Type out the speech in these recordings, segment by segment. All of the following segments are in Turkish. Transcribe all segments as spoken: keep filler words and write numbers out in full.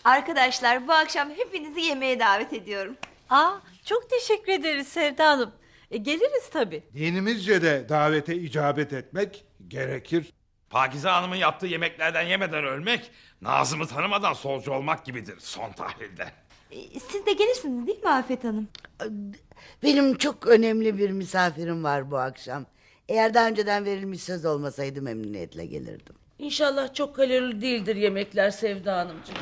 Arkadaşlar bu akşam hepinizi yemeğe davet ediyorum. Aa, çok teşekkür ederiz Sevda Hanım. E, geliriz tabii. Dinimizce de davete icabet etmek gerekir. Pakize Hanım'ın yaptığı yemeklerden yemeden ölmek, Nazım'ı tanımadan solcu olmak gibidir son tahlilde. Ee, Siz de gelirsiniz değil mi Afet Hanım? Benim çok önemli bir misafirim var bu akşam. Eğer daha önceden verilmiş söz olmasaydı memnuniyetle gelirdim. İnşallah çok kalorili değildir yemekler Sevda Hanımcığım.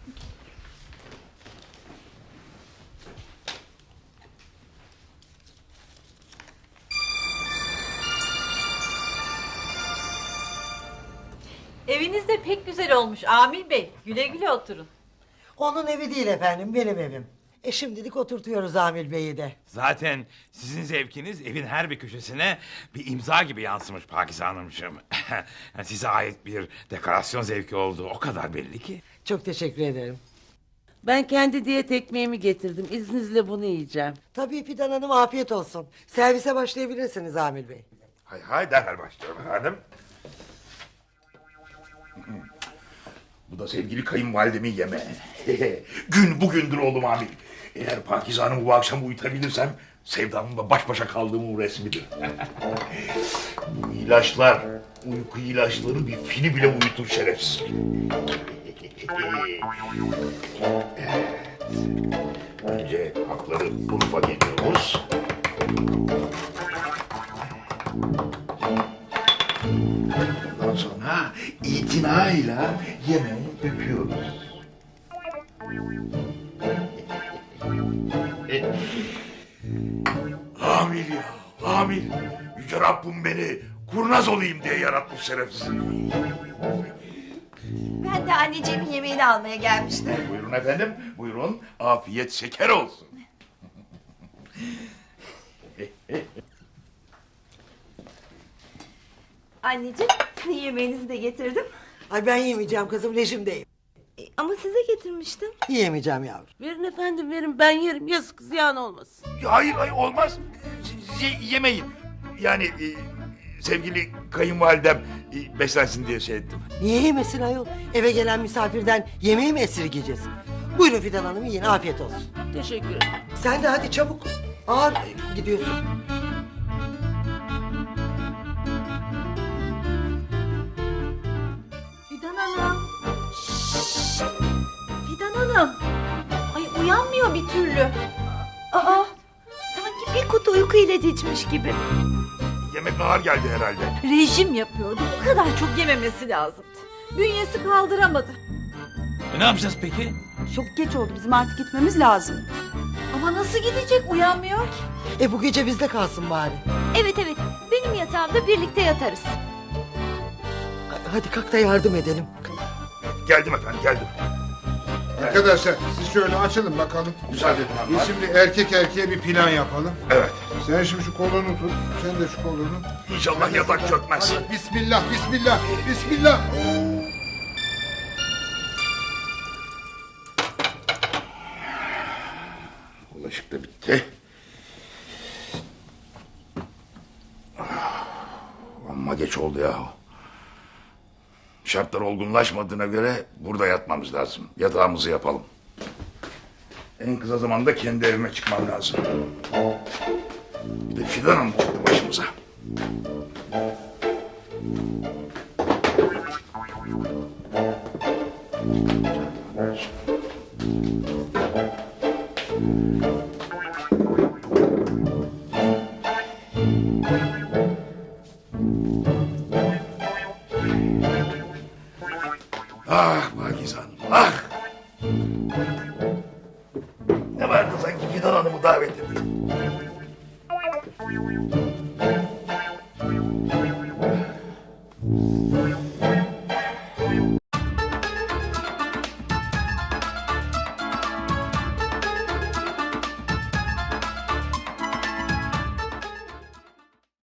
Eviniz de pek güzel olmuş Amil Bey. Güle güle oturun. Onun evi değil efendim, benim evim. E şimdilik oturtuyoruz Amil Bey'i de. Zaten sizin zevkiniz evin her bir köşesine bir imza gibi yansımış Pakize Hanımcığım. Size ait bir dekorasyon zevki olduğu o kadar belli ki. Çok teşekkür ederim. Ben kendi diyet ekmeğimi getirdim. İzninizle bunu yiyeceğim. Tabii Fidan Hanım, afiyet olsun. Servise başlayabilirsiniz Amil Bey. Hay hay derhal başlıyorum efendim. Bu da sevgili kayınvalidemin yemeği. Gün bugündür oğlum Amil. Eğer Pakize Hanım'ı bu akşam uyutabilirsem Sevdam'la baş başa kaldığımın resmidir. Bu ilaçlar, uyku ilaçları bir fili bile uyutur şerefsiz. Evet. Önce hapları Urfa geliyoruz. Ondan sonra itinayla yemeği öpüyoruz. Amil ya, amil. Yüce Rabbim beni kurnaz olayım diye yaratmış şerefsiz. Ben de anneciğimin yemeğini almaya gelmiştim. Buyurun efendim, buyurun. Afiyet şeker olsun. Anneciğim sizin yemeğinizi de getirdim. Ay ben yemeyeceğim kızım, rejimdeyim. Ee, Ama size getirmiştim. Yiyemeyeceğim yavrum. Verin efendim verin, ben yerim, yazık ziyan olmasın. Hayır, hayır olmaz. Ye- yemeyin. Yani e, sevgili kayınvalidem e, beslensin diye şey ettim. Niye yemesin ayol? Eve gelen misafirden yemeği mi esirgeyeceğiz? Buyurun Fidan Hanım, yiyin, afiyet olsun. Teşekkür ederim. Sen de hadi çabuk. Ağır gidiyorsun. Fidan Hanım. Şşş! Fidan Hanım. Ay uyanmıyor bir türlü. Aa, sanki bir kutu uyku ilacı içmiş gibi. Yemek ağır geldi herhalde. Rejim yapıyordu. Bu kadar çok yememesi lazımdı. Bünyesi kaldıramadı. E, ne yapacağız peki? Çok geç oldu, bizim artık gitmemiz lazım. Ama nasıl gidecek, uyanmıyor ki. E bu gece bizde kalsın bari. Evet evet benim yatağımda birlikte yatarız. Hadi kalk da yardım edelim. Geldim efendim, geldim. Arkadaşlar siz şöyle açılın bakalım. Müsaade edin Biz hanımlar. şimdi erkek erkeğe bir plan yapalım. Evet. Sen şimdi şu kolunu tut. Sen de şu kolunu. İnşallah yatak çökmez. Hadi bismillah, bismillah, bismillah. Bulaşık da bitti. Ah, amma geç oldu ya. Şartlar olgunlaşmadığına göre burada yatmamız lazım. Yatağımızı yapalım. En kısa zamanda kendi evime çıkmam lazım. Bir de Fidan Hanım çıktı başımıza. Ah Pakize Hanım, ah! Ne vardı sanki Fidan Hanım'ı davet ettim.